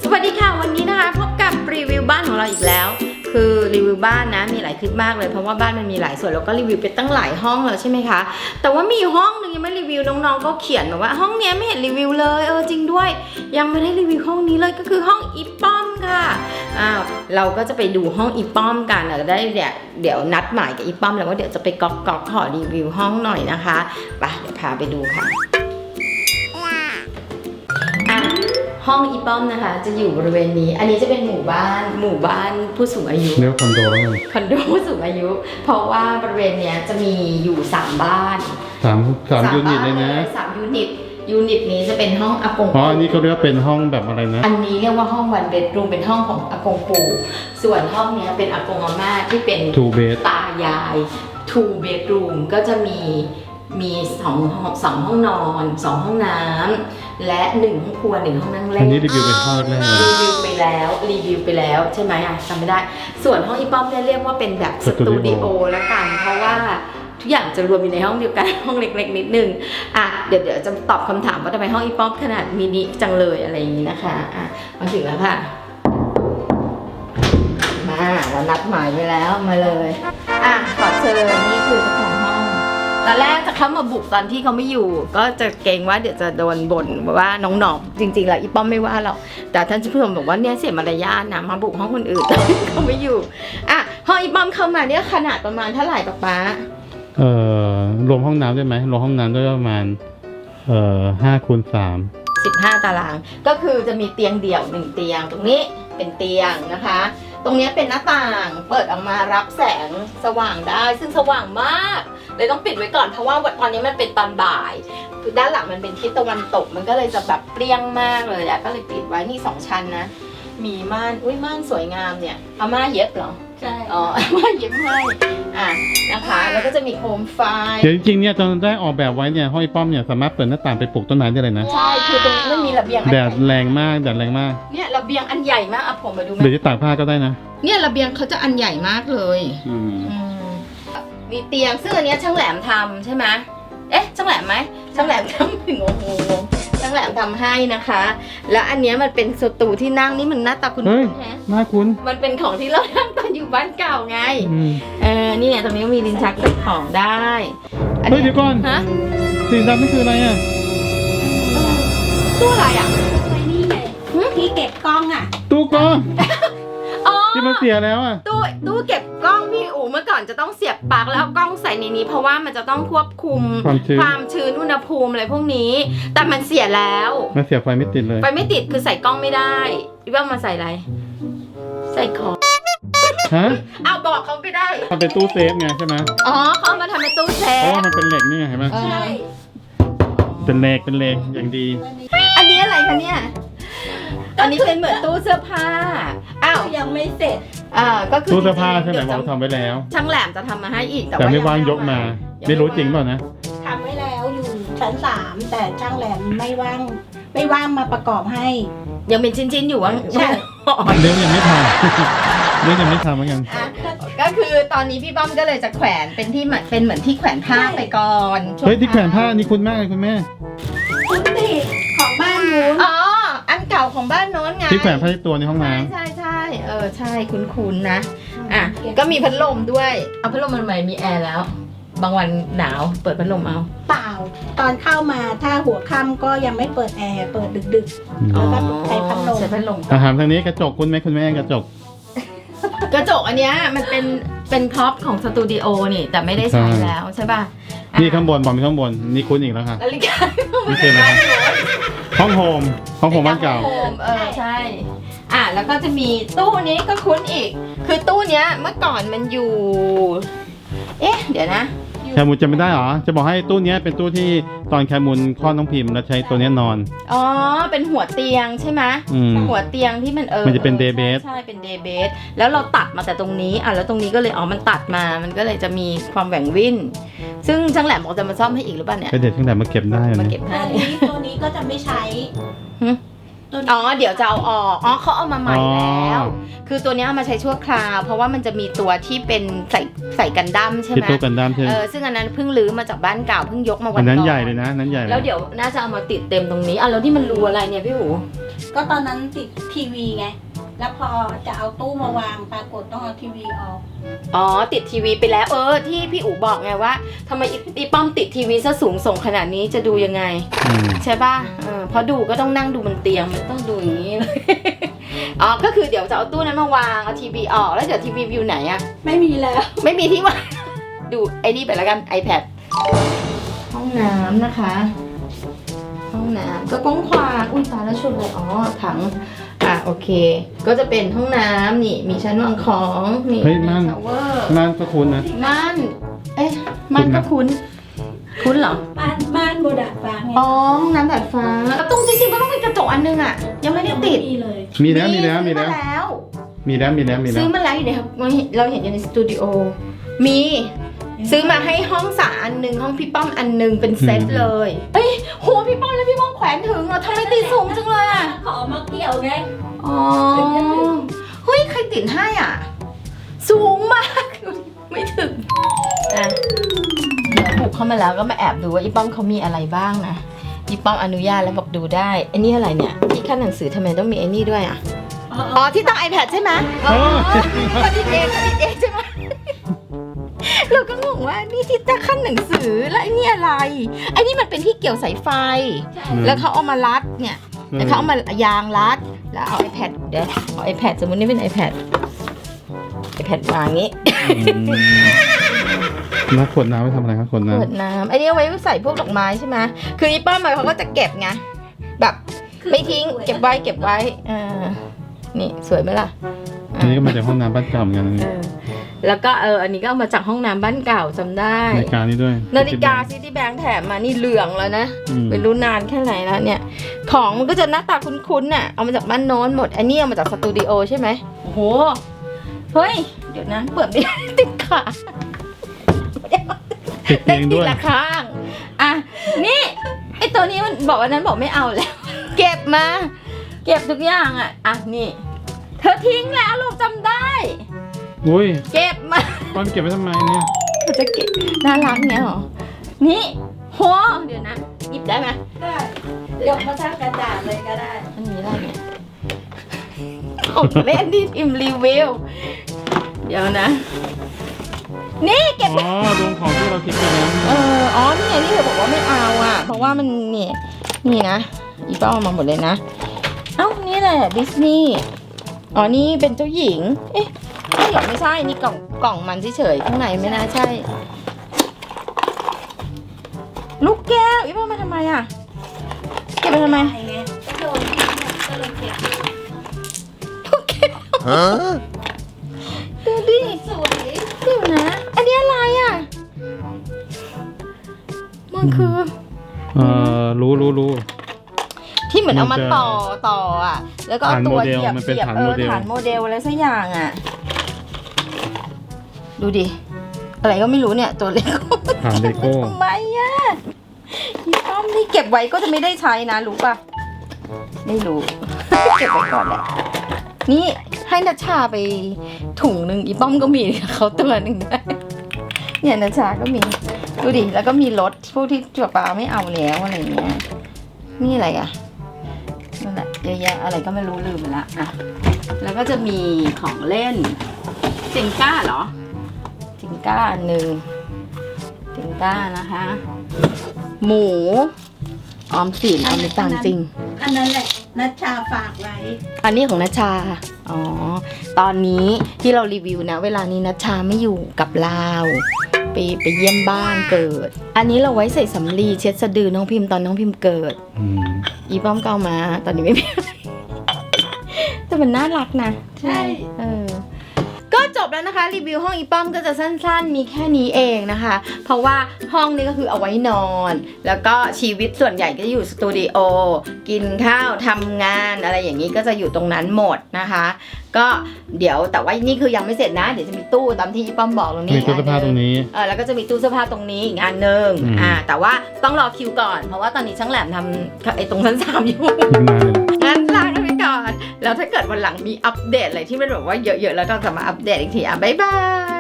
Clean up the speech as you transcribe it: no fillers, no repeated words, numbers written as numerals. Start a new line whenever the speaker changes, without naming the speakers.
วัสดีค่ะวันนี้นะคะพบกับรีวิวบ้านของเราอีกแล้วคือรีวิวบ้านนะมีหลายคลิปมากเลยเพราะว่าบ้านมันมีหลายส่วนแล้วก็รีวิวไปตั้งหลายห้องแล้วใช่ไหมคะแต่ว่ามีห้องนึงยังไม่รีวิวน้องๆก็เขียนมาว่าห้องนี้ไม่เห็นรีวิวเลยจริงด้วยยังไม่ได้รีวิวห้องนี้เลยก็คือห้องอีป้อมค่ะเราก็จะไปดูห้องอีป้อมกันได้เดี๋ยวนัดหมายกับอีป้อมแล้วว่าเดี๋ยวจะไปก๊อกขอรีวิวห้องหน่อยนะคะไปเดี๋ยวพาไปดูค่ะห้องอีป้อมนะคะจะอยู่บริเวณนี้อันนี้จะเป็นหมู่บ้านผู้สูงอายุ
เรียกคอนโดแล้วกัน
คอนโดผู้สูงอายุเพราะว่าบริเวณเนี้ยจะมีอยู่3บ้าน
3ยูนิตเลยนะ
3ยูนิตนี้จะเป็นห้องอากง
อันนี้เขาเรียกว่าเป็นห้องแบบอะไรนะ
อันนี้เรียกว่าห้อง1 bedroom เป็นห้องของอากงปู่ส่วนห้องเนี้ยเป็นอากงอาม่าที่เป็น
2 bed
ตายาย2 bedroom ก็จะมี2ห้องนอน2ห้องน้ำและ1ห้องครัว1ห้องนั่งเล่น
อันนี้รีวิวเป็นห้องแรก
รีวิวไปแล้วใช่ไหมจำไม่ได้ส่วนห้องอีป้อมเนี่ยเรียกว่าเป็นแบบสตูดิโอแล้วกันเพราะว่าทุกอย่างจะรวมอยู่ในห้องเดียวกันห้องเล็กๆนิดนึงเดี๋ยวจะตอบคำถามว่าทำไมห้องอีป้อมขนาดมินิจังเลยอะไรอย่างนี้นะคะมาถึงแล้วค่ะมาเรานัดหมายไว้แล้วมาเลยขอเชิญนี่คือเจ้าของห้องตอนแรกจะเข้ามาบุกตอนที่เขาไม่อยู่ก็จะเกรงว่าเดี๋ยวจะโดนบ่นว่าน้องๆจริงๆแล้วอีป้อมไม่ว่าหรอกแต่ท่านผู้ชมบอกว่าเนี่ยเสียมารยาทนะมาบุกห้องคนอื่นเขาไม่อยู่ห้องอีป้อมเข้ามาเนี่ยขนาดประมาณเท่าไหร่ป๊าร
วมห้องน้ำได้ไหมรวมห้องน้ำได้ประมาณ5x3
15 ตารางก็คือจะมีเตียงเดี่ยว1เตียงตรงนี้เป็นเตียงนะคะตรงนี้เป็นหน้าต่างเปิดออกมารับแสงสว่างได้ซึ่งสว่างมากเลยต้องปิดไว้ก่อนเพราะว่าตอนนี้มันเป็นตอนบ่ายคือด้านหลังมันเป็นทิศตะวันตกมันก็เลยจะแบบเปรี้ยงมากเลยก็เลยปิดไว้นี่2ชั้นนะมีม่านม่านสวยงามเนี่ยอาม่าเย็บเหรอใช่อาม่าเย็บให้นะคะแล้วก็จะมีโคมไฟ
เดี๋ยวจริงๆเนี่ยตอนได้ออกแบบไว้เนี่ยห้องอีป้อมเนี่ยสามารถเปิดหน้าต่างไปปลูกต้นไม้ได้เลยนะ
ใช่คือตรงนี้มันมีระเบียง
แดดแรงมาก
เนี่ยระเบียงอันใหญ่มากผมมาดู
เดี๋ยวจะตากผ้าก็ได้นะ
เนี่ยระเบียงเขาจะอันใหญ่มากเลยมีเตียงซึ่งอันนี้ช่างแหลมทำใช่ไหมช่างแหลมไหมช่างแหลมทำงงช่างแหลมทำให้นะคะแล้วอันนี้มันเป็นสตูที่นั่งนี่มันหน้าตาคุ้นๆฮะ
น่าคุ้น
มันเป็นของที่เรานั่งตอนอยู่บ้านเก่าไงนี่ไงตรงนี้มีลิ้นชักใส่ของได้
เฮ้ยเดี๋ยวก่อนสีดำนี่คืออะไร
ตู้อะไร
นี่ไงที่เก็บกล้อง
ตู้กล้องที่มันเสียแล้ว
ตู้เก็บกล้องพี่อู๋เมื่อก่อนจะต้องเสียบปลั๊กแล้วกล้องใส่ในนี้เพราะว่ามันจะต้องควบคุมความชื้นอุณหภูมิอะไรพวกนี้แต่มันเสียแล้ว
มันเสียไฟไม่ติดเลย
ไฟไม่ติดคือใส่กล้องไม่ได้พี่ว่ามาใส่อะไรใส่ของบอกเขาไม่ได้
มันเป็นตู้เซฟไงใช่ไหม
เขามาทำเป็นตู้เซฟ
เพราะว่ามันเป็นเหล็กนี่ไงเห็นไหม
ใช่
เป็นเหล็กอย่างดี
อันนี้อะไรคะเนี่ยอันนี้เป็นเหมือนตู้เสื้อผ้า
ยังไม่เสร็จ
ก็คือ
ตู้เสื้อผ้าใช่ไหมบอกทำไว้แล้ว
ช่างแหลมจะทำมาให้อีก
แต่ไม่ว่างยกมาไม่รู้จริงเปล่านะ
ทำไว้แล้วอยู่ชั้น3แต่ช่างแหลมไม่ว่างมาประกอบให้
ยังเป็นชิ้นๆอยู่ว่า
ใช่
เรื่องยังไม่ทำเหมือนกัน
ก็คือตอนนี้พี่ป้อมก็เลยจะแขวนเป็นที่เป็นเหมือนที่แขวนผ้าไปก่อน
เฮ้ยที่แขวนผ้านี่คุ้นมากเลยคุณแม่
คุ้นดิของบ้านนู้น
อันเก่าของบ้านโน้นไง
ที่แขวนผ้าตัวในห้องน้ำ
ใช่ใช่คุ้นๆนะก็มีพัดลมด้วยเอาพัดลมมันใหม่มีแอร์แล้วบางวันหนาวเปิดพัดลมเอา
เปล่าตอนเข้ามาถ้าหัวค่ำก็ยังไม่เปิดแอร์เปิดดึกๆแล้วก็ใช้พัดลม
อาหารทางนี้กระจกคุณแม่กระจก
อันเนี้ยมันเป็นพ็อปของสตูดิโอนี่แต่ไม่ได้ใช้แล้วใช่ป่ะ
นี่ข้างบนบอกมีข้างบนนี่คุ้นอีกแล้วค่ะ
นาฬิกา
นี่คืออะไรห้องโฮมบ้านเก่า
ใช่แล้วก็จะมีตู้นี้ก็คุ้นอีกคือตู้เนี้ยเมื่อก่อนมันอยู่เดี๋ยวนะ
แคมูลจำไม่ได้หรอจะบอกให้ตู้นี้เป็นตู้ที่ตอนแคมูลคลอดน้องพิมพ์แล้วใช้ตัวนี้นอน
เป็นหัวเตียงใช่ไหมหัวเตียงที่มัน
มันจะเป็นเดย์เบส
ใช่เป็นเดย์เบสแล้วเราตัดมาแต่ตรงนี้แล้วตรงนี้ก็เลยมันตัดมามันก็เลยจะมีความแหว่งวิ่นซึ่งช่างแหลมบอกจะมาซ่อมให้อีกหรือเปล่าเนี่ย
ก็เดี๋ยวช่างแหลมมาเก็บได้
มาเก็บให้
ตัวนี้ก็จะไม่ใช้
อ๋อเดี๋ยวจะเอาออกอ๋อเขาเอามาใหม่แล้ว คือตัวเนี้ยเอามาใช้ชั่วคราวเพราะว่ามันจะมีตัวที่เป็นใส่กันดั้มใช่ไหม
ที่ตู้กันด้ามใช่ไหม
ซึ่งอันนั้นเพิ่งรื้อมาจากบ้านเก่าเพิ่งยกมาวั
อั
น
นนั้น
ก่อน
ใหญ่เลยนะนั้นใหญ่เลย
แล้วเดี๋ยวน่าจะเอามาติดเต็มตรงนี้อ่ะแล้วที่มันรูอะไรเนี่ยพี่หู
ก็ตอนนั้นติดทีวีไง แล้วพอจะเอาตู้มาวางปรากฏต้องเอาทีวีออก
อ๋อติดทีวีไปแล้วที่พี่อู๋บอกไงว่าทำไมอีป้อมติดทีวีซะสูงส่งขนาดนี้จะดูยังไง
อืม
ใช่ป่ะเพราะดูก็ต้องนั่งดูบนเตียงมันต้องดูอย่างนี้เลย อ๋อก็คือเดี๋ยวจะเอาตู้นั้นมาวางเอาทีวีออกแล้วเดี๋ยวทีวีวิวไหนอะ
ไม่มีแล้ว
ไม่มีที่วาง ดูไอ้นี่ไปแล้วกัน iPad ห้องน้ำนะคะ ห้องน้ำก็กว้างขวางอุ้ยตายแล้วชุดเลยอ๋อถังโอเค ก็จะเป็นห้องน้ำนี่มีชั้นวางของนี่
เฮ้ยม่าน
ชาวเวอร์
ม่านก็คุ้นนะ
ม่านม่านก็คุ้นเหรอ
บ้านโบดาฟ้าไง
อ๋อห้องน้ำดาดฟ้าตรงจริงๆก็ต้องมีกระจกอันนึงอ่ะยังไม่ได้ติด
มีเลย
มีแล้ว
ซื้อมาแล้ว ซื้อมาแล้วอยู่ในเราเห็นอยู่ในสตูดิโอมีซื้อมาให้ห้องสาอันหนึ่งห้องพี่ป้อมอันหนึ่งเป็นเซตเลยเอ้ยโหพี่ป้อมแล้วพี่ป้อมแขวนถึงเหรอทำไมตีสูงจังเลยอ่ะ
ขอมาเกี่ยวไง
อ๋อเฮ้ยใครติดให้อ่ะ สูงมาก ไม่ถึงอ่ะเดี๋ยวบุกเข้ามาแล้วก็มาแอบดูว่าอีป้อมเขามีอะไรบ้างนะอีป้อมอนุญาตแล้วบอกดูได้ไอ้นี่อะไรเนี่ยที่ขั้นหนังสือทำไมต้องมีไอ้นี่ด้วยอ่ะอ๋อที่ตั้ง iPad ใช่ไหมอ๋อผลิตเองใช่ไหมเราก็งงว่านี่ที่ตั้งขั้นหนังสือแล้วไอ้นี่อะไรไอ้นี่มันเป็นที่เกี่ยวสายไฟ แล้วเขาเอามารัดเนี่ยแล้วเขาเอามายางรัดแล้วเอา iPad เดี๋ยวเอา iPad สมมตินี่เป็น iPad วางงี้
แล้วขวดน้ำไว้ทำอะไรครับขวดน้
ขวดน้ำไอ้นี่เอาไว้ใส่พวกดอกไม้ใช่ไหมคืออีป้อมเขาก็จะเก็บไงแบบไม่ทิ้งเก็บไว้นี่สวยไหมล่ะ
ำอันนี้ก็มาจากห้องน้ำบ้านเก่าเหมือนกันนะ
แล้วก็อันนี้ก็เอามาจากห้องน้ำบ้านเก่าจำได้
นาฬิกานี่ด้วย
นาฬิกาซิตี้แบงค์แถมมานี่เหลืองแล้วนะ
อืม
ไม่รู้นานแค่ไหนแล้วเนี่ย ของมันก็จะหน้าตาคุ้นๆน่ะเอามาจากบ้านโน้นหมดอันนี้เอามาจากสตูดิโอใช่ไหมโอ้โหเฮ้ยเดี๋ยวนะเปิดไม่ได้ ติดขา
ติดเตียงด้วย
ละข้างอ่ะนี่ไอตัวนี้มันบอกวันนั้นบอกไม่เอาแล้ว เก็บมา เก็บทุกอย่างอ่ะนี่เธอทิ้งแล้วลูกจำได้
อุ้ย
เก็บมา
ป้อนเก็บไว้ทำไมเนี่ย
เขาจะเก็บน่ารักเนี้ยเหรอนี่โหเดี๋ยวนะหยิบได้ไหม
ได้ยกมาทั้งกระดาษเลยก็ได้
อันนี้อะไรเนี่ยของเล่นที่พิมพ์รีวิวเดี๋ยวนะ นี่เก็บ
อ๋อรวมของที่เราคิดไปแล้ว
อ๋อนี่ไงนี่เธอบอกว่าไม่เอาอ่ะเพราะว่ามันนี่นะอีป้าเอามาหมดเลยนะเอ้านี่แหละดิสนีย์อ๋อนี่เป็นเจ้าหญิงเอ๊ะนี่เหรอไม่ใช่นี่กล่องมันเฉยๆข้างในไม่น่าใช่ ลูกแก้วอีป้ามาทำไมอ่ะเก็บไปทำไม
ไงก็โดนก็เลยเก็บ
ลูกแก้วดูดิ
สวย
เดี๋ยวนะ อันนี้อะไรอ่ะมันคือ
รู้
ที่เหมือนเอามาต่ออ่ะ แล้วก็เอาตัวเหยียบ
มันเป็นฐาน
ฐานโมเดลอะไรสักอย่างอ่ะ ดูดิ อะไรก็ไม่รู้เนี่ยตัวเล็ก
ฐานเลโก้
ทำไมอ่ะอีป้อมนี่เก็บไว้ก็จะไม่ได้ใช้นะรู้ป่ะ ไม่รู้ เก็บไว้ก่อนแหละ นี่ให้นัชชาไปถุงหนึ่งอีป้อมก็มีเขาตัวหนึ่งได้เนี่ยนัชชาก็มีดูดิแล้วก็มีรถพวกที่จั่วปลาไม่เอาแล้วอะไรเงี้ยนี่อะไรอ่ะนั่นแหละเยอะแยะอะไรก็ไม่รู้ลืมไปละอ่ะแล้วก็จะมีของเล่นจิงก้าเหรอจิงก้าอันหนึ่งจิงก้านะคะ หมูออมสินเอาไปตามจริง
อันนั้นแหละนัชชาฝากไว้
อันนี้ของนัชชา อ๋อ ตอนนี้ที่เรารีวิวนะ เวลานี้นัชชาไม่อยู่กับเราไปเยี่ยมบ้านเกิด อันนี้เราไว้ใส่สำลีเช็ดสะดือน้องพิมพ์ตอนน้องพิมพ์เกิด
อืม
อีป้อมเก้ามา ตอนนี้ไม่มี แต่มันน่ารักนะ
ใช่
ก็จบแล้วนะคะ รีวิวห้องอีป้อมก็จะสั้นๆ มีแค่นี้เองนะคะ เพราะว่าห้องนี้ก็คือเอาไว้นอน แล้วก็ชีวิตส่วนใหญ่ก็จะอยู่สตูดิโอกินข้าวทำงานอะไรอย่างนี้ก็จะอยู่ตรงนั้นหมดนะคะ ก็เดี๋ยวแต่ว่านี่คือยังไม่เสร็จนะ เดี๋ยวจะมีตู้ตามที่อีป้อมบอกตรงนี้
มีตู้เสื้อผ้าตรงนี้
แล้วก็จะมีตู้เสื้อผ้าตรงนี้อีกอันหนึ่ง
อืม
แต่ว่าต้องรอคิวก่อนเพราะว่าตอนนี้ช่างแหลมทำไอ้ตรงชั้น3อยู่
อีกนานเลย
งานหลักแล้วถ้าเกิดวันหลังมีอัปเดตอะไรที่มันแบบว่าเยอะๆแล้วเราจะมาอัปเดตอีกทีบ๊ายบาย